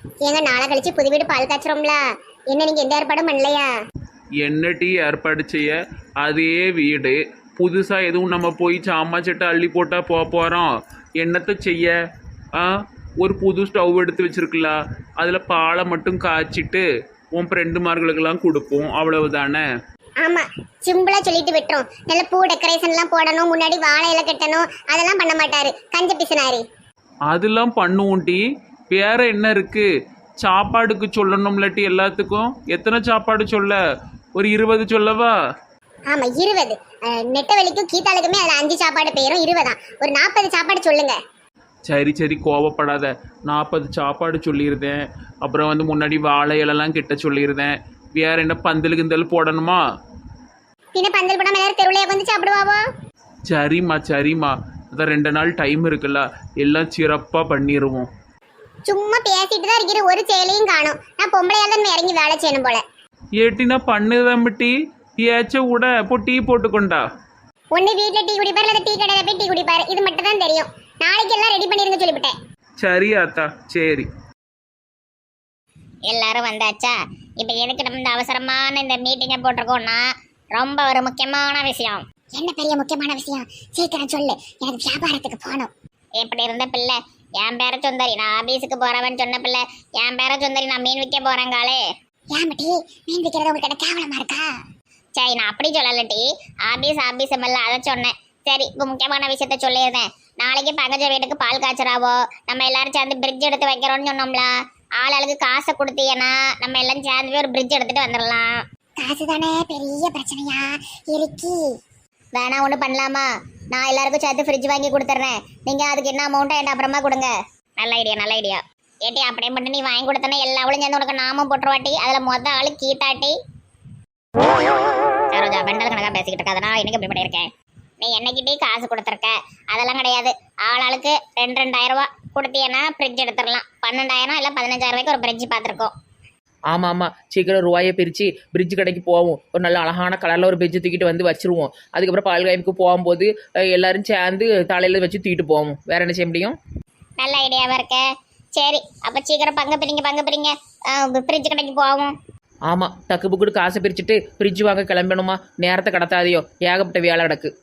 ஏங்க நாளை கழிச்சு புது வீடு பால் காய்ச்சறோம்ல, என்ன நீங்க எந்த ஏற்பாடும் பண்ணலையா? என்ன டீ ஏற்பாடு செய்ய? அதே வீடு புதுசாக எதுவும் நம்ம போய் சாமான் சட்டை அள்ளி போட்டால் போகிறோம். என்னத்தை செய்ய? ஆ, ஒரு புது ஸ்டவ் எடுத்து வச்சிருக்கலாம், அதில் பாலை மட்டும் காய்ச்சிட்டு உன் ஃப்ரெண்டுமார்களுக்கெல்லாம் கொடுப்போம், அவ்வளவுதானே. ஆமா, சிம்பிளா சொல்லிட்டு விட்டுரும். நல்ல பூ டெக்கரேஷன்லாம் போடணும், முன்னாடி வாழை இலை கட்டணும், அதெல்லாம் பண்ண மாட்டாரு, கஞ்ச பிசுனாரு. அதெல்லாம் பண்ணுவோம் டீ. வேற என்ன இருக்கு? சாப்பாடுக்கு சொல்லணும்ல டீ. எல்லாத்துக்கும் எத்தனை சாப்பாடு சொல்ல? ஒரு 20 சொல்லவா? ஆமா 20. நெட்டவெளிக்கும் கீதாளுக்குமே அதுல 5 சாப்பாடு போயிரும், 20 ஒரு 40 சாப்பாடு சொல்லுங்க. சரி சரி, கோவப்படாத. 40 சாப்பாடு சொல்லியிருந்தேன். அப்புறம் வந்து முன்னாடி வாழை இலெல்லாம் கிட்ட சொல்லியிருந்தேன். வேற என்ன பந்தல் கிந்தல் போடணுமா? பின்ன பந்தல் போடாம எல்லாரும் தெருவுலயே வந்து சாப்பிடுவாவோ? சரிம்மா சரிம்மா, அதான் 2 நாள் டைம் இருக்குல்ல, எல்லாம் சிறப்பாக பண்ணிடுவோம். சும்மா பேசிட்டு தான் இருக்கிற, ஒரு செயலையும் காணும். நான் பொம்பளையா தான் இறங்கி வேலை செய்யணும் போல. ஏட்டினா பண்ணுதான் டீ. ஏச்ச விட இப்போ டீ போட்டுக்கொண்டா. ஒண்ணு வீட்டுல டீ குடிப்பாரு, இல்ல டீ கடையில போய் டீ குடிப்பாரு, இது மட்டும் தான் தெரியும். நாளைக்கு எல்லாம் ரெடி பண்ணிருங்க சொல்லிவிட்டேன். சரி ஆத்தா, சரி. எல்லாரும் வந்தாச்சா? இப்போ எதுக்கு நம்ம இந்த அவசரமான இந்த மீட்டிங்கை போட்டிருக்கோம்னா, ரொம்ப ஒரு முக்கியமான விஷயம். என்ன பெரிய முக்கியமான விஷயம்? சீக்கிரம் சொல்லு, எனக்கு வியாபாரத்துக்கு போகணும். எப்படி இருந்த பிள்ளை? என் பேர சுந்தரி, நான் ஆபீஸுக்கு போறவன் சொன்ன பிள்ளை. என் பேர சுந்தரி, நான் மீன் விற்க போறேங்காலே. ஏமாட்டி மீன் விற்கிறது உங்களுக்கு கேவலமா இருக்கா? சரி, நான் அப்படி சொல்லலட்டி, ஆபீஸ் எல்லாம் அதை சொன்னேன். சரி, இப்போ முக்கியமான விஷயத்த சொல்லியிருந்தேன். நாளைக்கு பங்கஜ வீட்டுக்கு பால் காய்ச்சறாவோ, நம்ம எல்லாரும் சேர்ந்து பிரிட்ஜ் எடுத்து வைக்கிறோம்னு சொன்னோம்ல. ஆளுக்கு காசை கொடுத்தீங்கன்னா நம்ம எல்லாம் சேர்ந்து போய் ஒரு பிரிட்ஜ் எடுத்துட்டு வந்துடலாம். காசு தானே பெரிய பிரச்சனையா இருக்கு. வேணா ஒன்று பண்ணலாமா? நான் எல்லாருக்கும் சேர்த்து ஃப்ரிட்ஜ் வாங்கி கொடுத்துட்றேன். நீங்கள் அதுக்கு என்ன அமௌண்ட்டை என்கிட்ட அப்புறமா கொடுங்க. நல்ல ஐடியா, நல்ல ஐடியா. ஏட்டி அப்படியே மட்டும் நீ வாங்கி கொடுத்தனா எல்லாவளும் சேர்ந்து உனக்கு நாமம் போட்டுருவாட்டி. அதில் மொத்த ஆளு கீதாட்டி. சரோஜா பெண்டல் கணக்காக பேசிக்கிட்டு இருக்காதுனா எனக்கு இப்படி பண்ணியிருக்கேன். நீ என்னைக்கிட்டே காசு கொடுத்துருக்க, அதெல்லாம் கிடையாது. ஆளுக்கு 2,000 ரூபா கொடுத்தீங்கன்னா ஃப்ரிட்ஜ் எடுத்துடலாம். 12,000 இல்லை 15,000 ரூபாய்க்கு ஒரு ஃப்ரிட்ஜ் பார்த்துருக்கோம். ஆமாம் ஆமாம், சீக்கிரம் ரூபாயை பிரித்து பிரிட்ஜ் கடைக்கு போவோம். ஒரு நல்ல அழகான கலரில் ஒரு பிரிட்ஜ் தூக்கிட்டு வந்து வச்சுருவோம். அதுக்கப்புறம் பால் காய்ப்புக்கு போகும்போது எல்லாரும் சேர்ந்து தலையில் வச்சு தூக்கிட்டு போவோம். வேறு என்ன செய்ய முடியும்? நல்ல ஐடியாவாக இருக்க. சரி, அப்போ சீக்கிரம் பங்கு பிரிங்க ஃப்ரிட்ஜ் கடைக்கு போவோம். ஆமாம், டக்கு புக்குடு காசை பிரிச்சுட்டு ஃப்ரிட்ஜ் வாங்க கிளம்பணுமா? நேரத்தை கடத்தாதையோ, ஏகப்பட்ட வேலை கிடக்கு.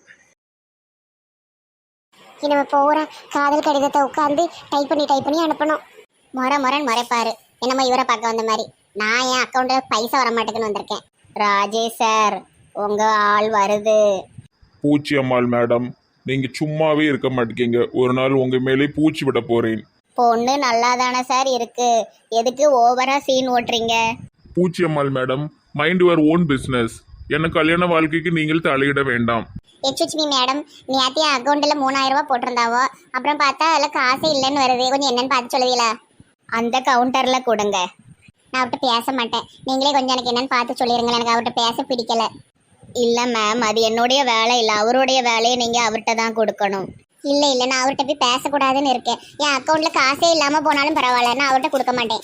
நம்ம போகிற காதல் கடிதத்தை உட்காந்து டைப் பண்ணி அனுப்பணும். முறைன்னு முறைப்பாரு, என்னமோ இவரை பார்க்க வந்த மாதிரி. நான் என் அக்கௌண்ட்டில் பைசா வர மாட்டேங்குன்னு வந்திருக்கேன். ராஜேஷ் சார், உங்கள் ஆள் வருது. பூச்சி அம்மாள் மேடம், நீங்கள் சும்மாவே இருக்க மாட்டேங்க. ஒரு நாள் உங்கள் மேலே பூச்சி விட போகிறேன். பொண்ணு நல்லா தானே சார் இருக்கு, எதுக்கு ஓவராக சீன் ஓட்டுறீங்க? பூச்சி அம்மாள் madam, mind your own business. எனக்கு கல்யாண வாழ்க்கைக்கு நீங்கள் தலையிட வேண்டாம். எச்சுச்மி மேடம், நேற்று என் அக்கௌண்ட்டில் 3,000 ரூபா போட்டிருந்தாவோ, அப்புறம் பார்த்தா அதில் காசே இல்லைன்னு வருது. கொஞ்சம் என்னன்னு பார்த்து சொல்லுவீங்களா? அந்த கவுண்டரில் கொடுங்க. நான் அவர்கிட்ட பேச மாட்டேன், நீங்களே கொஞ்சம் எனக்கு என்னன்னு பார்த்து சொல்லிடுங்களேன். எனக்கு அவர்கிட்ட பேச பிடிக்கல. இல்லை மேம், அது என்னுடைய வேலை இல்லை, அவருடைய வேலையை நீங்கள் அவர்கிட்ட தான் கொடுக்கணும். இல்லை நான் அவர்கிட்ட போய் பேசக்கூடாதுன்னு இருக்கேன். என் அக்கௌண்ட்டில் காசே இல்லாமல் போனாலும் பரவாயில்ல, நான் அவர்கிட்ட கொடுக்க மாட்டேன்.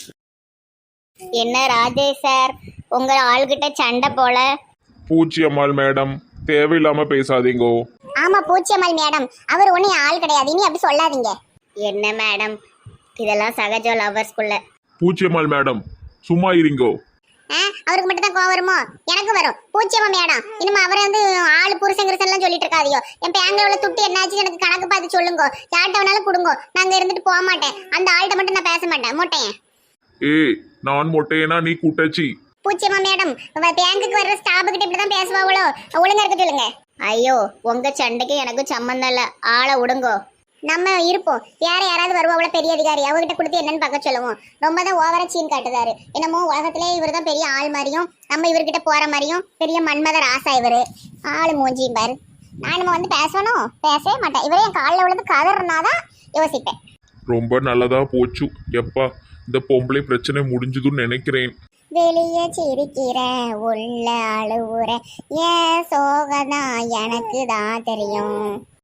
என்ன ராஜேஷ் சார், உங்கள் ஆள்கிட்ட சண்டை போல? பூச்சி அம்மாள் மேடம், தேவையில்லாமல் பேசாதீங்கோ. ஆமாம் பூச்சியம்மாள் மேடம், அவர் ஒன்றும் ஆள் கிடையாது, இனி அப்படி சொல்லாதீங்க. என்ன மேடம், இதெல்லாம் சகஜ லவர்ஸ்குள்ள. பூச்சி அம்மாள் மேடம், சும்மா இருங்கோ. அவருக்கு மட்டும் தான் கோவம் வருமோ? எனக்கு வரும். பூச்சியம்மா மேடம், இனிமே அவரை வந்து ஆள் புருஷங்கிருசன்லாம் சொல்லிட்டு இருக்காதியோ. என் பேங்க்ல உள்ள துட்டு என்னாச்சு எனக்கு கணக்கு பார்த்து சொல்லுங்க. யார்கிட்ட வேணாலும் கொடுங்க, நாங்கள் இருந்துட்டு போக மாட்டேன். அந்த ஆள்கிட்ட மட்டும் நான் பேச மாட்டேன். மொட்டையன். ஏய், நான் மொட்டையனா நீ குட்டச்சி? பூச்சியம்மா மேடம், பேங்குக்கு வர்ற ஸ்டாஃபு கிட்ட இப்படி தான் பேசுவாங்களோ? ஒழுங்கா இருக்க சொல்லுங்க. ஐயோ, உங்க சண்டைக்கு எனக்கு சம்மந்தம் இல்லை, ஆளை விடுங்கோ. நம்ம இருப்போம், வேற யாராவது வருவாங்கள பெரிய அதிகாரி, அவங்ககிட்ட கொடுத்து என்னன்னு பார்க்க சொல்லுவோம். ரொம்ப தான் ஓவரா சீன் காட்டுதாரு. என்னமோ உலகத்திலே இவர் தான் பெரிய ஆள் மாதிரியும், நம்ம இவர்கிட்ட போற மாதிரியும். பெரிய மன்மத ராசா இவரு. ஆளு மூஞ்சியும் பாரு. நான் நம்ம வந்து பேசணும், பேசவே மாட்டேன். இவரே என் காலில் விழுந்து கதறினாதான் யோசிப்பேன். ரொம்ப நல்லதா போச்சு. எப்பா இந்த பொம்பளை பிரச்சனை முடிஞ்சதுன்னு நினைக்கிறேன். வெளியே சிரிக்கிற உள்ள அழுவுற ஏன் சோகதான் எனக்கு தான் தெரியும்.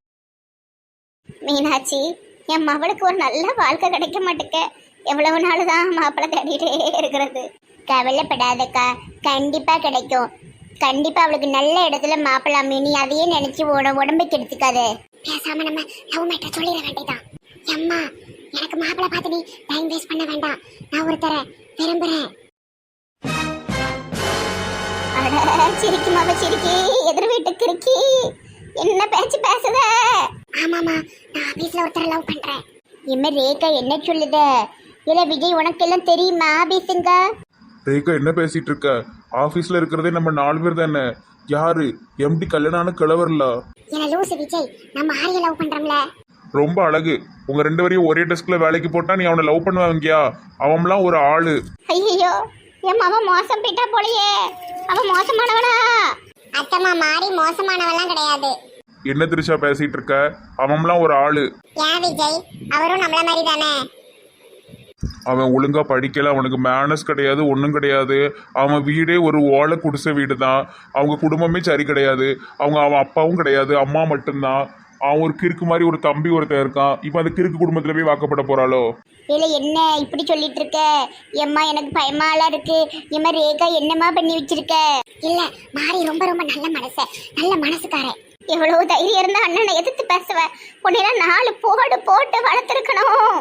மீனாட்சி, என் மவளுக்கு ஒரு நல்ல வாழ்க்கை கிடைக்க மாட்டேக்க. எவ்வளவு நாள் தான் மாப்பிள்ளை தேடிட்டே இருக்கிறது? கவலைப்படாதக்கா, கண்டிப்பா கிடைக்கும். கண்டிப்பா அவளுக்கு நல்ல இடத்துல மாப்பிள்ளை மீனி, அதையே நினைச்சு உடம்பு கெடுத்துக்காது. பேசாம நம்ம லவ் மேட்டர் சொல்லிட வேண்டியதான். அம்மா எனக்கு மாப்பிள்ளை பார்த்து நீ டைம் வேஸ்ட் பண்ண வேண்டாம். நான் ஒருத்தர விரும்புறேன். சிரிக்கி மாமா சிரிக்கி, எதிர் வீட்டுக்கு இருக்கி, என்ன பேச்சு பேசுத? ஆமாமா, நான் ஆபீஸ்ல ஒருத்தர லவ் பண்றேன். இம்மா ரேகா என்ன சொல்லுத? இல்ல விஜய், உனக்கு எல்லாம் தெரியுமா ஆபீஸுங்க? ரேகா என்ன பேசிட்டு இருக்க? ஆபீஸ்ல இருக்கிறதே நம்ம 4 பேர் தானே. யாரு? எம்டி கல்யாணம் கிழவர்ல. என்ன லூசு விஜய், நம்ம ஆரிய லவ் பண்றோம்ல. ரொம்ப அழகு. உங்க 2 பேரையும் ஒரே டெஸ்க்ல வேலைக்கு போட்டா நீ அவனை லவ் பண்ணுவாங்கயா? அவன்லாம் ஒரு ஆளு. ஐயோ, என் மாமா மோசம் போயிட்டா போலயே. அவன் மோசமானவனா? அத்தம்மா மாறி மோசமானவெல்லாம் கிடையாது. என்ன திருச்சா பேசிட்டு இருக்க? அவன்லாம் ஒரு ஆளு. ஏன் விஜய், அவரும் நம்மள மாதிரி தானே. அவன் ஒழுங்கா படிக்கல, அவனுக்கு மேனஸ் கிடையாது, ஒன்றும் கிடையாது. அவன் வீடே ஒரு ஓலை குடிசை வீடு தான். அவங்க குடும்பமே சரி கிடையாது. அவன் அப்பாவும் கிடையாது, அம்மா மட்டும்தான். அவன் ஒரு கிறுக்கு மாதிரி ஒரு தம்பி ஒருத்தன் இருக்கான். இப்போ அந்த கிறுக்கு குடும்பத்துல போய் வாக்கப்பட போறாளோ? இல்ல என்ன இப்படி சொல்லிட்டு இருக்க? எம்மா எனக்கு பயமாலாம் இருக்கு. எம்மா ரேகா என்னம்மா பண்ணி வச்சிருக்க? இல்ல மாறி ரொம்ப ரொம்ப நல்ல மனசுக்காரன். எவ்வளவு தைரியம் இருந்தா அண்ணனை எதிர்த்து பேசுவ? உன்னையெல்லாம் 4 போடு போட்டு வளர்த்துருக்கணும்.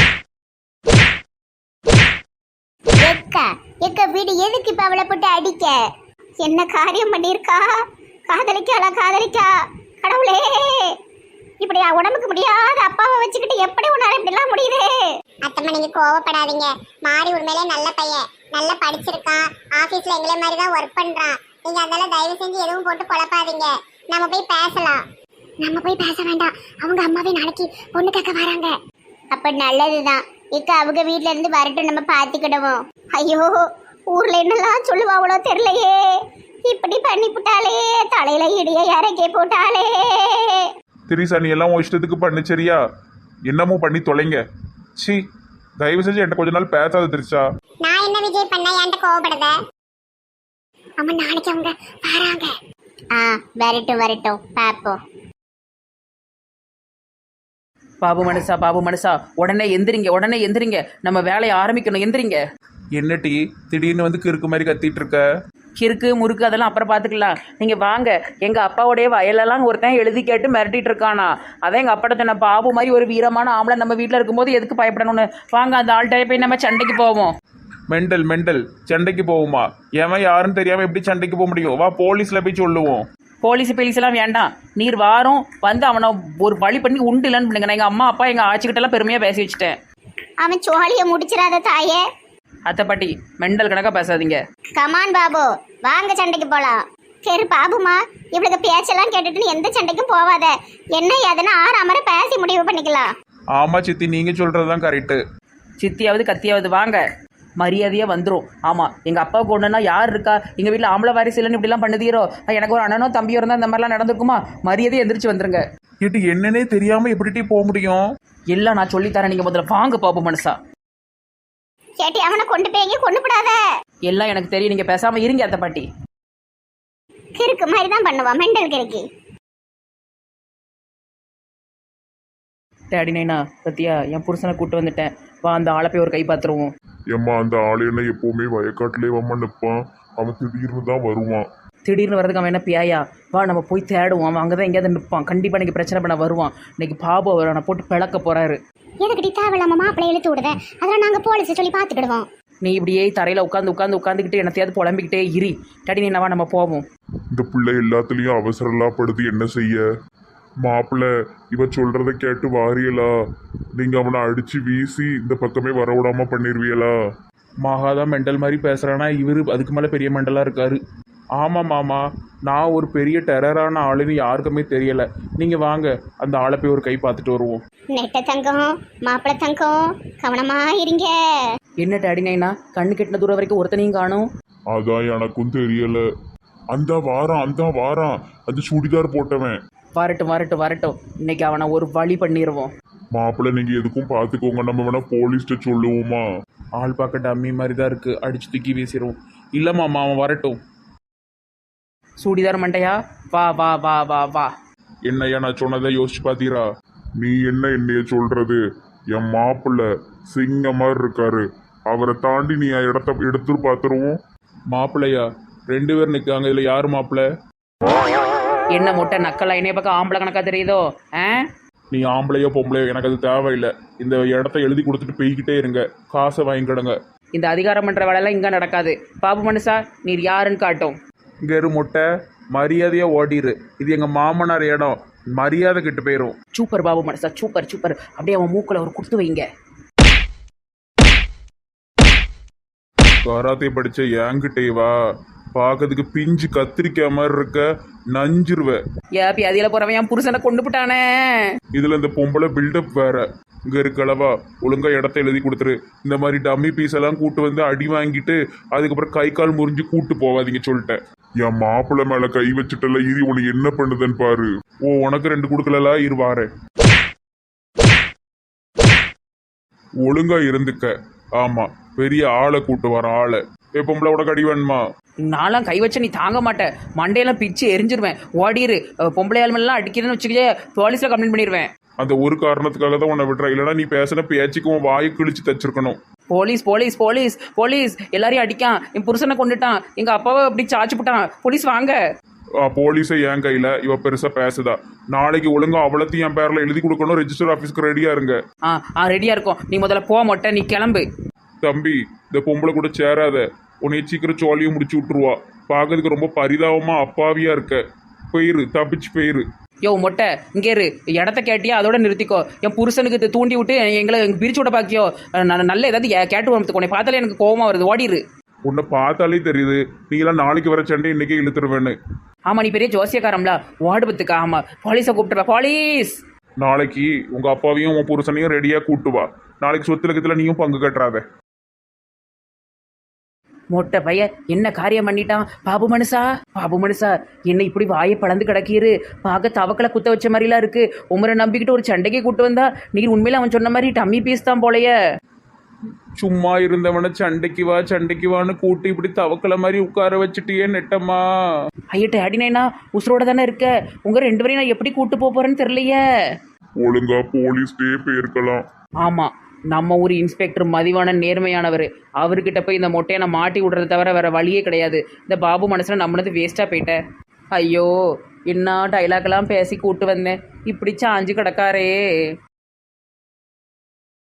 எக்க வீடு எதுக்கு இப்ப அவளை போட்டு அடிக்க? என்ன காரியம் பண்ணிருக்கா? காதலிக்கா கடவுளே, இப்படி உடம்புக்கு முடியாத அப்பாவை வச்சுக்கிட்டு எப்படி உன்னால இப்படி எல்லாம் முடியுது? அத்தம்மா நீங்க கோவப்படாதீங்க. மாறி உண்மையிலே நல்ல பையன், நல்லா படிச்சிருக்கான், ஆபீஸ்ல எங்களை மாதிரி தான் ஒர்க் பண்றான். நீங்க அதனால தயவு செஞ்சு எதுவும் போட்டு குழப்பாதீங்க. நம்ம போய் பேசலாம். நம்ம போய் பேச வேண்டாம், அவங்க அம்மாவே நாளைக்கு பொண்ணு கேட்க வராங்க. அப்ப நல்லதுதான். இக்க அவங்க வீட்ல இருந்து வரட்டும், நம்ம பாத்துக்கிடுவோம். ஐயோ, ஊர்ல என்னெல்லாம் சொல்லுவாங்களோ தெரியலையே. இப்படி பண்ணி போட்டாலே, தலையில இடிய இறக்கி போட்டாலே. திரிசா, நீ எல்லாம் உன் இஷ்டத்துக்கு பண்ணு சரியா? என்னமோ பண்ணி தொலைங்க. சி, தயவு செஞ்சு என்கிட்ட கொஞ்ச நாள் பேசாத திரிசா. நான் என்ன விஜய் பண்ண என்கிட்ட கோவப்படுத? அம்மா நாளைக்கு அவங்க வராங்க. வரட்டும் பாப்போம். பாபு மனுஷா, உடனே எந்திரிங்க. நம்ம வேலையை ஆரம்பிக்கணும், எந்திரிங்க. என்ன டீ திடீர்னு வந்து கிறுக்கு மாதிரி கத்திட்டு இருக்க? கிறுக்கு முறுக்கு அதெல்லாம் அப்புறம் பார்த்துக்கலாம். நீங்கள் வாங்க. எங்கள் அப்பாவுடைய வயலெல்லாம் ஒருத்தன் எழுதி கேட்டு மிரட்டிட்டு இருக்கானா. அதான் எங்கள் அப்பாட்ட சொன்ன, பாபு மாதிரி ஒரு வீரமான ஆம்பளை நம்ம வீட்டில் இருக்கும்போது எதுக்கு பயப்படணும்னு. வாங்க, அந்த ஆள்கிட்ட போய் நம்ம சண்டைக்கு போவோம். மெண்டல் சண்டைக்கு போவோமா? ஏன் யாருன்னு தெரியாம எப்படி சண்டைக்கு போக முடியும்? வா, போலீஸ்ல போய் சொல்லுவோம். போலீஸ்லாம் வேண்டாம். நீர் வாரம் வந்து அவனை ஒரு வழி பண்ணி உண்டு இல்லைன்னு பண்ணுங்க. நான் எங்கள் அம்மா அப்பா எங்கள் ஆச்சிக்கிட்டெல்லாம் பெருமையாக பேசி வச்சுட்டேன். அவன் சோழிய முடிச்சிடாத தாயே. அத்தை பாட்டி மெண்டல் கணக்காக பேசாதீங்க. கமான் பாபு, வாங்க சண்டைக்கு போலாம். சரி பாபுமா, இவளுக்கு பேச்செல்லாம் கேட்டுட்டு நீ எந்த சண்டைக்கும் போவாத. என்ன எதனா ஆறாமரை பேசி முடிவு பண்ணிக்கலாம். ஆமா சித்தி, நீங்க சொல்றதுதான் கரெக்டு. சித்தியாவது கத்தியாவது வாங்க, மரியாதையாக வந்துடும். ஆமாம், எங்கள் அப்பாவுக்கு ஒன்றுனா யார் இருக்கா? எங்கள் வீட்டில் ஆம்பளை வாரிசு இல்லைன்னு இப்படிலாம் பண்ணுதீரோ? எனக்கு ஒரு அண்ணனோ தம்பியோ இருந்தால் இந்த மாதிரிலாம் நடந்திருக்குமா? மரியாதையை எந்திரிச்சு வந்துருங்க. இது என்னன்னே தெரியாம எப்படி போக முடியும்? எல்லாம் நான் சொல்லித்தரேன், நீங்கள் முதல்ல வாங்க பாப்போம் மனுஷா. கேட்டி அவனை கொண்டு போய் கொண்டு போடாத. எல்லாம் எனக்கு தெரியும், நீங்கள் பேசாமல் இருங்க அத்தை பாட்டி. கிறுக்கு மாதிரி தான் பண்ணுவான், மெண்டல் கிறுக்கி. டேடி நைனா பத்தியா, என் புருஷனை கூப்பிட்டு வந்துட்டேன். வா, அந்த ஆளை போய் ஒரு கை பார்த்துருவோம். ஏம்மா, அந்த ஆளு என்ன எப்பவுமே வயக்காட்டிலே வம்மா நிற்பான். அவன் திடீர்னு தான் வருவான். திடீர்னு வரதுக்கு அவன் என்ன பியாயா? வா, நம்ம போய் தேடுவோம். அவன் அங்கே தான் எங்கேயாவது நிற்பான். கண்டிப்பாக இன்னைக்கு பிரச்சனை பண்ண வருவான். இன்னைக்கு பாபு அவர் அவனை போட்டு பிளக்க போறாரு. எதுக்கிட்ட தேவையில்லாம மாப்பிள்ளை இழுத்து விடுவேன். அதெல்லாம் நாங்கள் போலீஸ் சொல்லி பார்த்துக்கிடுவோம். நீ இப்படியே தரையில் உட்காந்துக்கிட்டு என்னத்தையாவது புலம்பிக்கிட்டே இரு. டேடி நைனாவா, நம்ம போவோம். இந்த பிள்ளை எல்லாத்துலேயும் அவசரம்லாம் படுது, என்ன செய்ய? மாப்பிள்ளை இவ சொல்றத கேட்டு வாரியலா? நீங்க அவனை அடிச்சு வீசி இந்த பக்கமே வர விடாம பண்ணிருவியலா? மகாதான் மெண்டல் மாதிரி பேசுறானா? இவரு அதுக்கு மேல பெரிய மெண்டலா இருக்காரு. ஆமா மாமா, நான் ஒரு பெரிய டெரரான ஆளுன்னு யாருக்குமே தெரியல. நீங்க வாங்க, அந்த ஆளை போய் ஒரு கை பார்த்துட்டு வருவோம். நெட்ட தங்கம், மாப்பிள்ளை தங்கம், கவனமா இருங்க. என்ன டேடி நைனா, கண்ணு கெட்டின தூரம் வரைக்கும் ஒருத்தனையும் காணும். அதான் எனக்கும் தெரியல. அந்த வாரம் அந்த சுடிதார் போட்டவன் வரட்டும். இன்னைக்கு அவனை ஒரு வழி பண்ணிடுவோம். மாப்பிள்ளை நீங்க எதுக்கும் பார்த்துக்கோங்க. நம்ம வேணா போலீஸ்ட்ட சொல்லுவோமா? ஆள் பார்க்க டம்மி மாதிரி தான் இருக்கு, அடிச்சு தூக்கி வீசிடுவோம். இல்ல மாமா, அவன் வரட்டும். சூடிதார் மண்டையா, வா வா வா வா வா. என்னையா நான் சொன்னதை யோசிச்சு பாத்தீரா? நீ என்ன என்னைய சொல்றது? என் மாப்பிள்ளை சிங்க மாதிரி இருக்காரு. அவரை தாண்டி நீ இடத்த எடுத்து பார்த்துருவோம். மாப்பிள்ளையா? 2 பேர் நிற்காங்க, இதுல யாரு மாப்பிள்ளை? என்ன மொட்டை நக்கலா? என்னைய பக்கம் ஆம்பளை கணக்கா தெரியுதோ? நீ ஆம்பளையோ பொம்பளையோ எனக்கு அது தேவையில்லை. இந்த இடத்த எழுதி கொடுத்துட்டு போய்கிட்டே இருங்க, காசை வாங்கிக்கிடுங்க. இந்த அதிகாரம் பண்ணுற வேலையெல்லாம் இங்கே நடக்காது. பாபு மனுஷா நீர் யாருன்னு காட்டும். இங்கே இரு முட்டை, மரியாதையாக ஓடிரு. இது எங்கள் மாமனார் இடம், மரியாதை கிட்ட போயிடும். சூப்பர் பாபு மனுஷா, சூப்பர் சூப்பர். அப்படியே அவன் மூக்கில் ஒரு குடுத்து வைங்க. கராத்தே படிச்ச என்கிட்டே வா, பார்க்கறதுக்கு பிஞ்சு கத்திரிக்காய் மாதிரி இருக்க, நஞ்சிருவ. ஏப்பி அதில் போகிறவன் என் புருஷனை கொண்டு போட்டானே. இதுல இந்த பொம்பளை பில்டப் வேற. இங்க இருக்கலவா, ஒழுங்கா இடத்த எழுதி கொடுத்துரு. இந்த மாதிரி டம்மி பீஸ் எல்லாம் கூட்டு வந்து அடி வாங்கிட்டு அதுக்கப்புறம் கை கால் முறிஞ்சு கூட்டு போவாதீங்க சொல்லிட்டேன். என் மாப்பிள்ளை மேல கை வச்சுட்டல, இது உனக்கு என்ன பண்ணுதுன்னு பாரு. ஓ உனக்கு 2 கொடுக்கல, இரு வாரேன். ஒழுங்கா இருந்துக்க. ஆமா, பெரிய ஆளை கூட்டு வர ஆளை. பொம்பளை உனக்கு அடி வேணுமா? நான்லாம் கை வச்ச நீ தாங்க மாட்டேன், மண்டையெல்லாம் பிச்சு எரிஞ்சிருவேன். ஓடிரு. பொம்பளை ஆளுமெல்லாம் அடிக்கிறேன்னு வச்சுக்கிட்டே போலீஸில் கம்ப்ளைண்ட் பண்ணிடுவேன். அந்த ஒரு காரணத்துக்காக தான் உன்னை விட்டுற, இல்லைன்னா நீ பேசின பேச்சுக்கு உன் வாயை கிழிச்சு தச்சிருக்கணும். போலீஸ் போலீஸ் போலீஸ் போலீஸ் எல்லாரையும் அடிக்கான், என் புருஷனை கொண்டுட்டான், எங்கள் அப்பாவை அப்படி சாச்சு போட்டான், போலீஸ் வாங்க. போலீஸை என் கையில, இவ பெருசா பேசுதா. நாளைக்கு ஒழுங்கா அவளத்தையும் என் பேர்ல எழுதி கொடுக்கணும். ரெஜிஸ்டர் ஆஃபீஸ்க்கு ரெடியா இருங்க. ரெடியாக இருக்கும். நீ முதல்ல போக மாட்டேன், நீ கிளம்பு. தம்பி, இந்த பொம்பளை கூட சேராத, உன்னை சீக்கிரம் சோழியும் முடிச்சு விட்டுருவா. பார்க்கறதுக்கு ரொம்ப பரிதாபமா அப்பாவியா இருக்க. போயிரு, தப்பிச்சு போயிரு. யோ மொட்டை, இங்கே இரு. இடத்த கேட்டியா அதோட நிறுத்திக்கோ. என் புருஷனுக்கு தூண்டி விட்டு எங்களை பிரிச்சு விட பாக்கியோ. நான் நல்ல ஏதாவது கேட்டு வரத்துக்கு உன்னை பார்த்தாலே எனக்கு கோவமா வருது. ஓடிரு. உன்னை பார்த்தாலே தெரியுது நீ எல்லாம் நாளைக்கு வர சண்டை இன்னைக்கே இழுத்துருவேன்னு. ஆமா, நீ பெரிய ஜோசியக்காரம்ல, வாடுபத்துக்கா. ஆமா, போலீஸை கூப்பிட்டுருவா. போலீஸ். நாளைக்கு உங்க அப்பாவையும் உன் புருஷனையும் ரெடியா கூட்டு வா. நாளைக்கு சொத்து லக்கத்துல நீயும் பங்கு கட்டுறாத. மொட்டை பையன் என்ன காரியம் பண்ணிட்டான்? பாபு மனுஷா, பாபு மனுஷா, என்ன இப்படி வாயை பழந்து கிடக்கீரு? பார்க்க தவக்கலை குத்த வச்ச மாதிரிலாம் இருக்கு. உமரை நம்பிக்கிட்டு ஒரு சண்டைக்கு கூட்டு வந்தா நீர் உண்மையில அவன் சொன்ன மாதிரி டம்மி பீஸ் தான் போலைய. சும்மா இருந்தவனை சண்டைக்கு வா சண்டைக்கு வான்னு கூட்டி இப்படி தவக்கலை மாதிரி உட்கார வச்சுட்டியே நெட்டம்மா. ஐயட்ட அடினேனா உசுரோட தானே இருக்க. உங்க 2 பேரையும் நான் எப்படி கூட்டு போறேன்னு தெரியலையே. ஒழுங்கா போலீஸ் டே போயிருக்கலாம். ஆமா, நம்ம ஊர் இன்ஸ்பெக்டர் மதிவான நேர்மையானவர். அவர்கிட்ட போய் இந்த மொட்டையை நான் மாட்டி விடுறத தவிர வேற வழியே கிடையாது. இந்த பாபு மனசுல நம்மளது வேஸ்டா போயிட்டேன். ஐயோ, என்ன டைலாக்லாம் பேசி கூட்டு வந்தேன், இப்படி சாஞ்சு கிடக்காரே.